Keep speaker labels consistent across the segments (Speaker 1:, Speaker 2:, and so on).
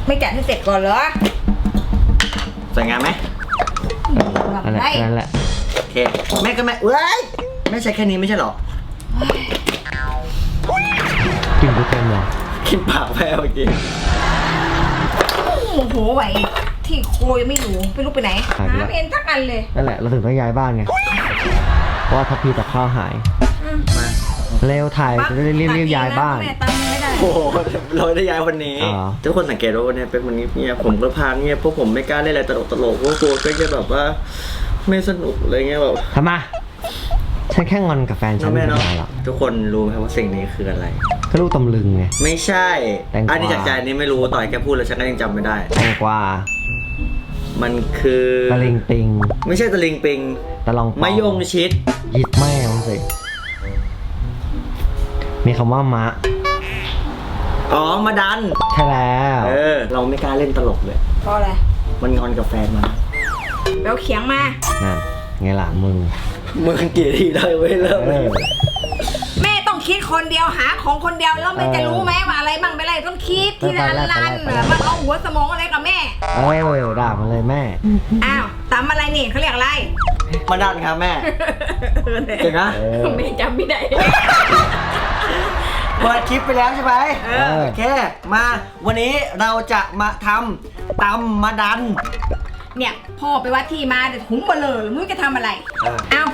Speaker 1: ไม่จัดให้เสร็จก่อนเหรอ
Speaker 2: สวยงามไหม
Speaker 3: นั่นแหละ
Speaker 2: โอเคแม่ก็แม่เว้ยแม่ใช้แค่นี้ไม่ใช่หรอ
Speaker 3: กินทุกแกมเหรอ
Speaker 2: กินปากแพ้เมื่อกี้
Speaker 1: โอ้โหไหวที่โคยังไม่รู้ไม่รู้ไปไหนหาไม่เห็นสักอันเลย
Speaker 3: นั่นแหละเราถึงต้องย้ายบ้านไงเพราะว่าทัพพีกับข้าวหาย
Speaker 2: มา
Speaker 3: เร็วถ่ายจะได้รีบย้ายบ้าน
Speaker 2: โอ้โหเราได้ย้ายวันนี้ทุกคนสังเกตว่าวันนี้เป็นวันนี้เนี่ยผมก็พาเงียบเพราะผมไม่กล้าเล่นอะไรตลกเพราะกลัวก็จะแบบว่าไม่สนุกอะไรเงี้ยแบบ
Speaker 3: ทำไมฉันแค่งอนกับแฟนฉันไม่ได้หรอก
Speaker 2: ทุกคนรู้ไหมว่าสิ่งนี้คืออะไร
Speaker 3: ก็ลูกตำลึงไง
Speaker 2: ไม่ใช่อันนี้จากใจนี้ไม่รู้ต่อยแกพูดแล้วฉันก็ยังจำไม่ได้
Speaker 3: แตงกวา
Speaker 2: มันคือ
Speaker 3: ตะลิงปิง
Speaker 2: ไม่ใช่ตะลิงปิง
Speaker 3: ตะลอง
Speaker 2: มะยงชิด
Speaker 3: หยิบแม่มันสิมีคำว่ามะ
Speaker 2: อ๋อมาดัน
Speaker 3: ใช่แล้ว
Speaker 2: เราไม่กล้าเล่นตลกเลย
Speaker 1: เพราะอะไร
Speaker 2: มันงอนกับแฟนมา
Speaker 1: แล้วเขียงมา
Speaker 3: นั่นไงล่ะมึง
Speaker 2: เกลียดที่ได้ไว้แล้ว
Speaker 1: แม่ต้องคิดคนเดียวหาของคนเดียวแล้วแม่จะรู้ไหมว่าอะไรบ้างไปอะไรต้องคิดทีละอันมันเอาหัวสมองอะไรกับแม่
Speaker 3: ด่ามันเลยแม่
Speaker 1: อ้าวตำอะไรนี่เขาเรียกอะไร
Speaker 2: มาดันครับแม่เก่งนะ
Speaker 1: แม่จำไม่ได้
Speaker 2: เปิดคลิปไปแล้วใช่ไหมโอเคมาวันนี้เราจะมาทำตำมาดัน
Speaker 1: เนี่ยพ่อไปวัดที่มาแต่ถุงเบลอไม่รู้จะทำอะไรเอา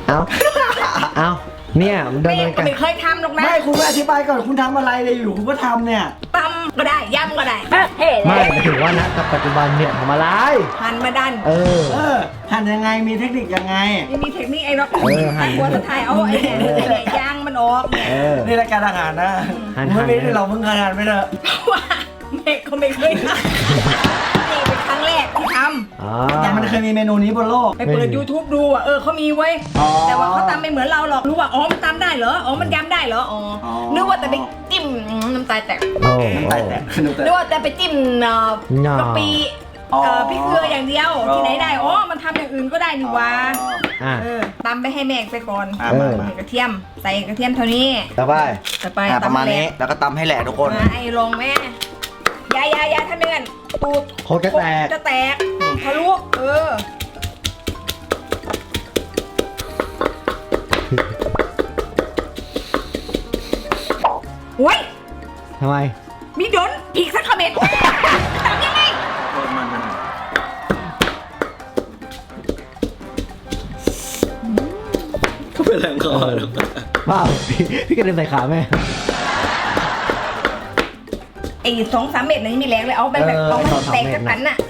Speaker 3: เนี่ย
Speaker 1: ไม่เคยทำหรอกนะ
Speaker 2: ไม่คุณไม่อธิบายก่อนคุณทำอะไรเลยอยู่คุณก็ทำเนี่ย
Speaker 1: ตำก็ได้ย่ำก็ได้
Speaker 3: ไม่ถือว่านะกับปัจจุบันเนี่ยทำอะไร
Speaker 1: หั่นมาดัน
Speaker 2: หั่นยังไงมีเทคนิคยังไง
Speaker 1: มีเทคนิคไอ้น็อตหั่นหัวตะไคร้เอาไอ้เนี่ยยางมันออก
Speaker 2: นี่รายการอาหารนะไม่ได้เราเพิ่งทานไม่ได้
Speaker 1: ว่าแม่ก็ไม่เคยทำนี่เป็นครั้งแรกที่ทำ
Speaker 2: ยังมันเคยมีเมนูนี้บนโลก
Speaker 1: ไปเปิด YouTube ดูเขามีไว้แต่ว่าเขาทำไม่เหมือนเราหรอกรู้ว่ามันทำได้เหรอมันยำได้เหรอนึกว่าแต่ไปจิ้มน้ำตาแตก
Speaker 2: น้ำตาแตก
Speaker 1: นึกว่าแต่ไปจิ้มกะปิพริกเกลืออย่างเดียวที่ไหนได้มันทำอย่างอื่นก็ได้นี่วะตำไปให้แม่ไปก่อนกระเทียมใส่กระเทียมเท่านี้
Speaker 2: ต่อไปประมาณนี้แล้วก็ตำให้แหลกทุกคน
Speaker 1: ไอ้ลงแม่ยาถ้าเนื่อนตูด
Speaker 3: โคตร
Speaker 1: จะแตกทะลุโอ้ย
Speaker 3: ทำไม
Speaker 1: มีโดนอีกสักคอมเมนต์ตามยังไง
Speaker 2: ก็เป็นแรงคอ
Speaker 3: ว้าวพี่กระเด็นใส่ขาแม่
Speaker 1: ไอ้2-3 เม็ดนี่มีแรงเลยเอาไปแบบเอามันแตกกระตันน่ะ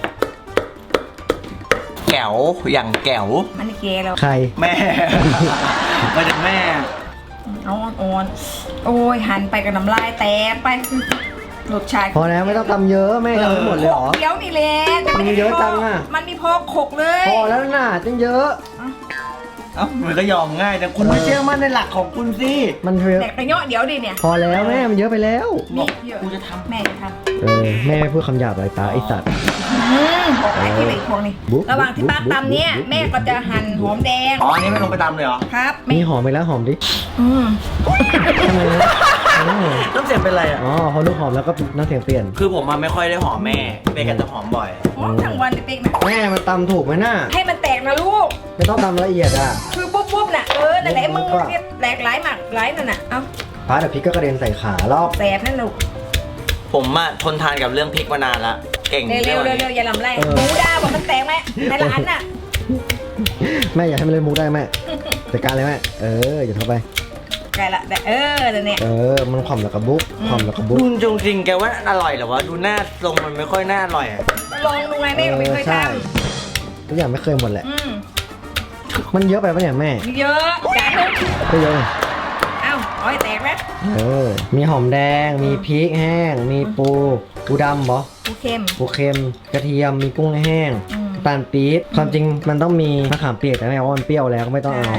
Speaker 2: แก้วอย่างแก้ว
Speaker 1: มันเกลียแล้ว
Speaker 3: ใคร
Speaker 2: แม่มาจากแม่
Speaker 1: เอาอ่อนโอ้ยหันไปกับน้ำลายแตกไปรสชาติ
Speaker 3: พอแล้วไม่ต้องทำเยอะแม่ทำไม่หมดเลยหรอ
Speaker 1: เดี๋ยวนี่แหละ
Speaker 3: มันเยอะจังอ่ะ
Speaker 1: มันมีพอขกเลย
Speaker 3: พอแล้วน่ะจังเยอะ
Speaker 2: มันก็ยอมง่ายแต่คุณไม่เชื่อมั่นในหลักของคุณสิ
Speaker 3: มันเยอะ
Speaker 1: แต่กระเยาะเดี๋ยวดิเนี่ย
Speaker 3: พอแล้วแม่มันเยอะไปแล้ว
Speaker 1: นี่เยอะกูจะทำแม่จะท
Speaker 3: ำแม่ไม่พูดคำหยาบอะไรตาไอสัตว์
Speaker 1: บอกไอ้ที่ไหนพวกนี้ระหว่างที่ป้าตำเนี่ยแม่ก็จะหั่นหอมแดง
Speaker 2: อันนี้ไม่ลงไปตำเลยเหรอ
Speaker 1: ครับ
Speaker 3: มีหอมไปแล้วหอมดิทำไมนะ
Speaker 2: น้ำเสียงเป็นไรอ่ะ
Speaker 3: พอลูกหอมแล้วก็น้ำเสียงเปลี่ยน
Speaker 2: คือผมไม่ค่อยได้หอมแม่เป๊กจะหอมบ่อย
Speaker 1: ทั้งวันเป๊กนะ
Speaker 3: แม่มันตำถูกไหมน่ะ
Speaker 1: ให้มันแตกนะลูก
Speaker 3: ไม่ต้องตำละเอียดอ่ะ
Speaker 1: คือปุ๊บน่ะนั่นแหละมึงแหลกหลายหมักหลายนั่นน่ะ
Speaker 3: พาแต่พริกก็กระเด็นใส่ขารอบ
Speaker 1: แสบนั่นลูก
Speaker 2: ผมทนทานกับเรื่องพริกมานานละเก่ง
Speaker 1: เร็วอย่าลำแรงหมูด่าบอกมันแตกไหมในร้านน่ะ
Speaker 3: แม่อยากให้มันเล่นมุกได้แม่จัดการเลยแม่อย่าเข้าไป
Speaker 1: ไกลละเดี๋ยวนี้
Speaker 3: มันความแล้วกระบุกความแล้วกระบุก
Speaker 2: จริงแกว่าอร่อยหรอวะดูหน้าทรงมันไม่ค่อยน่าอร่อย
Speaker 1: ลองดูไงแม่ก็ไม่เคยท
Speaker 3: ำทุกอย่างไม่เคยหมดแหละมันเยอะไปปะเนี่ยแม่
Speaker 1: เยอะจานนึง
Speaker 3: ก็เยอะ
Speaker 1: เอาให้แตกไหม
Speaker 3: มีหอมแดงมีพริกแห้งมีปูดำเหรอ
Speaker 1: ปูเค็ม
Speaker 3: กระเทียมมีกุ้งแห้งตาลปี๊บความจริงมันต้องมีมะขามเปียกแต่แม่ว่ามันเปรี้ยวแล้วก็ไม่ต้องเอา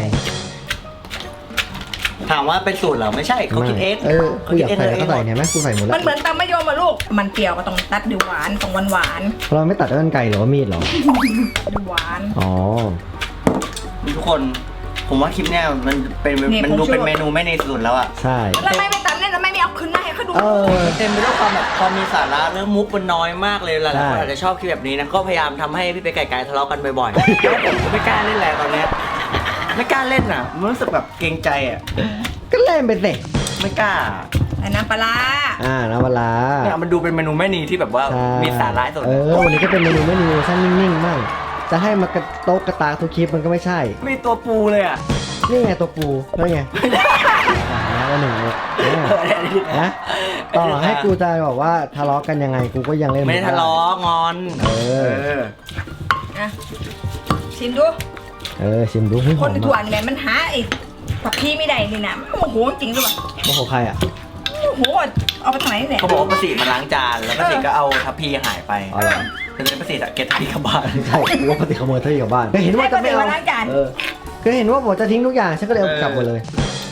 Speaker 2: ถามว่าเป็นสูตรเหรอไม่ใช่เขาคิดเอง
Speaker 3: เขาอยากใส่ก็ใส่เนี่ยแม่กูใส่หมดแล้ว
Speaker 1: มันเหมือนตำมะยมอะลูกมันเปรี้ยวก็ต้องตัดดูหวานต้องหวาน
Speaker 3: เราไม่ตัดด้วยกันไก่หรือว่ามีดหรอ
Speaker 1: ดูหวาน
Speaker 2: ทุกคนผมว่าคลิปเนี้ยมันดูเป็นเมนูไม่ในสูตรแล้วอะ
Speaker 3: ใช่
Speaker 1: แล้วไม่ตัดเนี่ยแล้วไม่เอาขึ้นมาให้เขาดู
Speaker 2: เต็มไปด้วยความแบบความมีสาระเรื่องมุกมันน้อยมากเลยหลายๆคนอาจจะชอบคลิปแบบนี้นะก็พยายามทำให้พี่เป๊กไก่ทะเลาะกันบ่อยๆแล้วผมก็ไม่กล้าเล่นแล้วตอนเนี้ยไม่กล้าเล่นอ่ะมันรู้สึกแบบเกรงใจอ่ะ
Speaker 3: ก็เล่นไปสิ
Speaker 2: ไม่กล้า
Speaker 1: แต่น้ำปลาร้า
Speaker 3: น้ำปลา
Speaker 2: เนี่ยมันดูเป็นเมนูแม่นีที่แบบว่า
Speaker 3: ใช่
Speaker 2: มีสาระสุด
Speaker 3: วันนี้ก็เป็นเมนูไม่มีเวอร์ชันนิ่งๆมั่งจะให้มากระโต๊ะกระตากทุกคลิปมันก็ไม่ใช่
Speaker 2: มีตัวปูเลยอ่ะ
Speaker 3: นี่ไงตัวปูแล้วไงแล้วหนึ่งนะต่อให้กูจะบอกว่าทะเลาะกันยังไงกูก็ยังเล่น
Speaker 2: ไม่ได้ทะเลาะงอน
Speaker 1: อ่ะชิมดู
Speaker 3: ชิมดูให้ห
Speaker 1: ค
Speaker 3: อน ม
Speaker 1: ถ่วนเนี่ยมันหาไอ้ผักพี่ไม่ได้นี่นะโอ้โหจริงด้วย
Speaker 3: โอ้โหใครอ่ะ
Speaker 1: โอ้โหเอาไปทางไหนเนี่ย
Speaker 2: เขาบอกว่าประสิทธิ์มาล้างจานแล้วประสิทธิ์ก็เอาทัพพีหายไป
Speaker 3: อ๋อเหรอ
Speaker 2: แต่เป็นประสิทธิ์อะเก็บทัพพีกลับบ้าน
Speaker 3: ใช่กูว่าปฏิขโมยเธออยู่กับบ้านก็เห็นว่าจะไม่เอาก็เห็นว่าผมจะทิ้งทุกอย่างฉันก็เลยเอากลับหมดเลย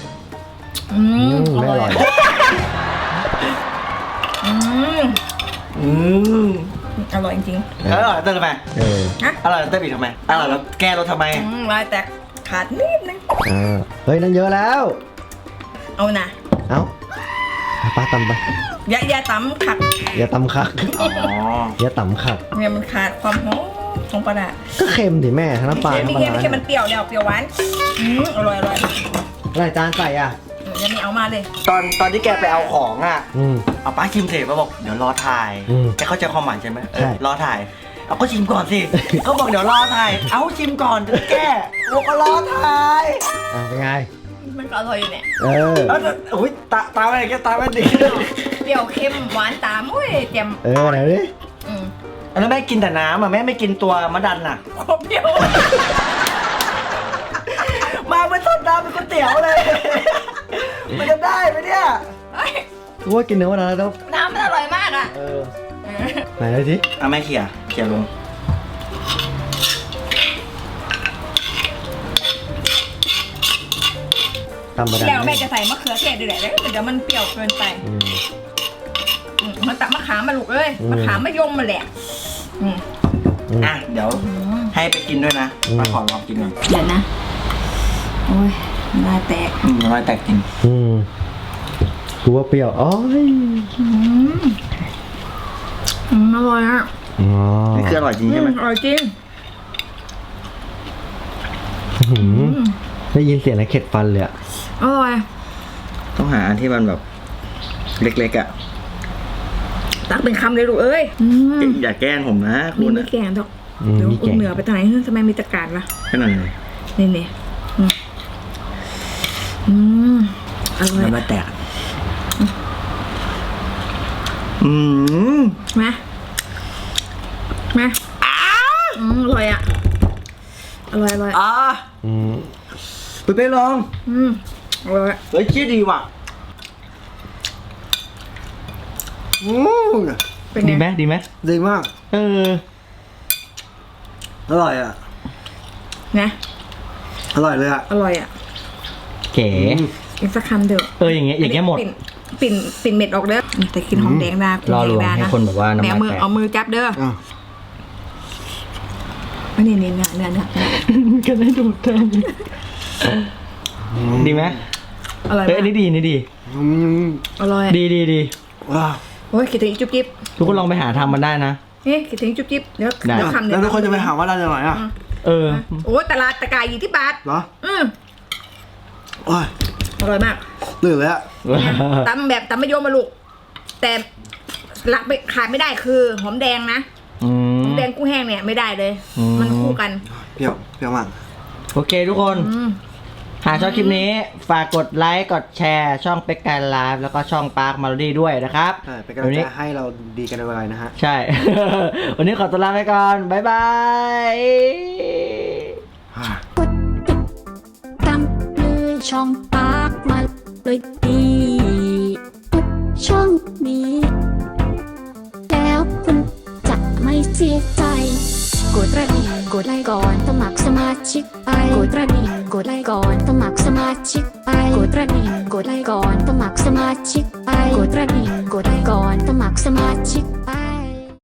Speaker 3: ไม่อร่อย
Speaker 1: อร่อยจริง
Speaker 2: แล้วอร่อยเต้นทำไม
Speaker 1: ฮะ
Speaker 2: อร่อยเต้นอีกทำไมอร่อยแล้วแก้รสทำไม
Speaker 1: ลายแตกขาดนิดนึง
Speaker 3: เฮ้ยนั่นเยอะแล้ว
Speaker 1: เอานะ
Speaker 3: เอาป้าตำไป
Speaker 1: อย่าตำขัด
Speaker 3: อย่าตำคัก
Speaker 2: อ๋อ
Speaker 3: อย่าตำคัก
Speaker 1: เนี่ยมันขาดความหอมของปลาร้า
Speaker 3: ก็เค็มดิแม่ทั้งน้ำปลา
Speaker 1: ไม่
Speaker 3: ทั้งปลา
Speaker 1: เค็มไม่เค็มมันเปรี้ยวแล้วเปรี้ยวหวานอร่อย
Speaker 3: อะไรจานใส่อ่ะ
Speaker 1: ยังไม่เอามาเลย
Speaker 2: ตอนที่แกไปเอาของอ่ะ
Speaker 3: อืม
Speaker 2: เอาป้าชิมเสร็จมาบอกเดี๋ยวรอถ่าย แกเข้าใจความหมายใช่ไหม
Speaker 3: ใช่
Speaker 2: รอถ่าย เอาก็ชิมก่อนสิเขาบอกเดี๋ยวรอถ่าย เอาชิมก่อนจะแก้บอกก็รอถ่าย
Speaker 3: เป็นไง
Speaker 1: มันก็อร่อยอยู่เนี่ย
Speaker 2: แล้วอุ้ยตาไม่แกตาไม่ดี
Speaker 1: เปรี้ยวเค็มหวานตามอุ้ยเต็ม
Speaker 3: ไหนดิ
Speaker 2: แล้วแม่กินแต่น้ำอ่ะแม่ไม่กินตัวมะดันอ่ะ
Speaker 1: โคตรเปรี้ยว
Speaker 2: มาเป็นต้นน้ำเป็นก๋วยเตี๋ยวเลย มันจะได้ไหมเนี่ย
Speaker 3: กูว่ากินเนื้อวันนั้นแล้ว
Speaker 1: น้ำมันอร่อยมากอ่ะ
Speaker 3: ไหนเลยสิ
Speaker 2: เอาแม่เขี่ยลง
Speaker 3: ตำบะดัน
Speaker 1: แล้วแม่จะใส่มะเขือเทศด้วยแหละแล้วเดี๋ยวมันเปรี้ยวเกินไปมันตักมะขามมาลูกเอ้ยมะขามมะยมมาแหละ
Speaker 2: อ่ะเดี๋ยวให้ไปกินด้วยนะมาขอลองกินหน่อย
Speaker 1: เดี๋ยวนะโอ้ยลายแตก
Speaker 2: น้อยแตกจริง
Speaker 3: กูว่าเปรี้ยวอ๋อ
Speaker 1: อร่อยอ่ะ
Speaker 2: นี่คืออร่อยจริงใช่ไหม
Speaker 1: อร่อยจริง
Speaker 3: ได้ยินเสียงแล้วเข็ดฟันเลยอ่ะ
Speaker 1: อร่อย
Speaker 2: ต้องหาอันที่มันแบบเล็กๆอ่ะ
Speaker 1: ตักเป็นคำเลยลูกเอ้ย
Speaker 2: อย่าแกล้งผมนะ
Speaker 1: มี
Speaker 2: คุณ
Speaker 1: ไม่
Speaker 2: อะ
Speaker 1: แกงดอกเดี๋ยวเหนือไปทางไหนทำไมมีตะการวะ
Speaker 2: แค่นั้นเลย
Speaker 1: นี่อร่อย
Speaker 2: น้ำลายแตก
Speaker 1: มาอร่อยอ่ะอร่อย
Speaker 2: ไปลอง
Speaker 1: อร่อย
Speaker 2: เฮ้ยเชี่ยดีว่ะ
Speaker 1: เป็นไง
Speaker 3: ดีไหม
Speaker 2: ดีมาก อร่อยอ่ะ
Speaker 1: นะ
Speaker 2: อร่อยเลยอ่ะ
Speaker 1: อร่อยอ่ะ
Speaker 3: เก๋
Speaker 1: อีกสักคำเถอะ
Speaker 3: อย่างเงี้ยหมด
Speaker 1: ปิ่นเม็ดออกเด้อแต่กินหอมแดงได้
Speaker 3: รอลวงให้คนแบบว่าน้ำ
Speaker 1: แม่
Speaker 3: ลาย
Speaker 1: มือ
Speaker 3: แตก
Speaker 1: เอามือจับเด้ออันนี้เนื้อ
Speaker 3: ก็ได้ดูดแทนดีไหม
Speaker 1: อร่อย
Speaker 3: อันนี้ดีนี่ดี
Speaker 1: อร่อย
Speaker 3: ดี
Speaker 2: ว้าว
Speaker 1: โอ้ยคิดถึงจุ๊บจิ๊บ
Speaker 3: ทุกคนลองไปหาทำมันได้นะ
Speaker 1: คิดถึงจุ๊บจิ๊บเดี๋ยวคำเดียว
Speaker 2: แล้วทุกคนจะไปหาว่าร้านไหนอ่ะ
Speaker 1: โอ้ตลาดตะกายอยู่ที่บาท
Speaker 2: เหรอโอ้ย
Speaker 1: อร่อยมาก
Speaker 2: ตื่นเลยอ่ะ
Speaker 1: ตำแบบตำมะยมมาลูกแต่หลักไม่ขาดไม่ได้คือหอมแดงนะหอมแดงกุ้งแห้งเนี่ยไม่ได้เลย มันคู่กัน
Speaker 2: เปรี้ยวมาก
Speaker 3: โอเคทุกคน หากชอบคลิปนี้ฝากกดไลค์กดแชร์ช่องเป็กการไลฟ์แล้วก็ช่องปาร์คมาโลดี้ด้วยนะครับ
Speaker 2: ใช่เป็นกำลังใจให้เราดีกันไวๆนะฮะ
Speaker 3: ใช่ วันนี้ขอตัวลาไปก่อน บ๊ายบาย
Speaker 4: ตามเลยช่องปากมาเลยดีทุกช่องนี้แล้วคุณจะไม่เสียใจกดกระดิ่งกดไลค์ก่อนสมัครสมาชิกไปกดกระดิ่งกดไลค์ก่อนสมัครสมาชิกไปกดกระดิ่งกดไลค์ก่อนสมัครสมาชิกไปกดกระดิ่งกดไลค์ก่อนสมัครสมาชิกไป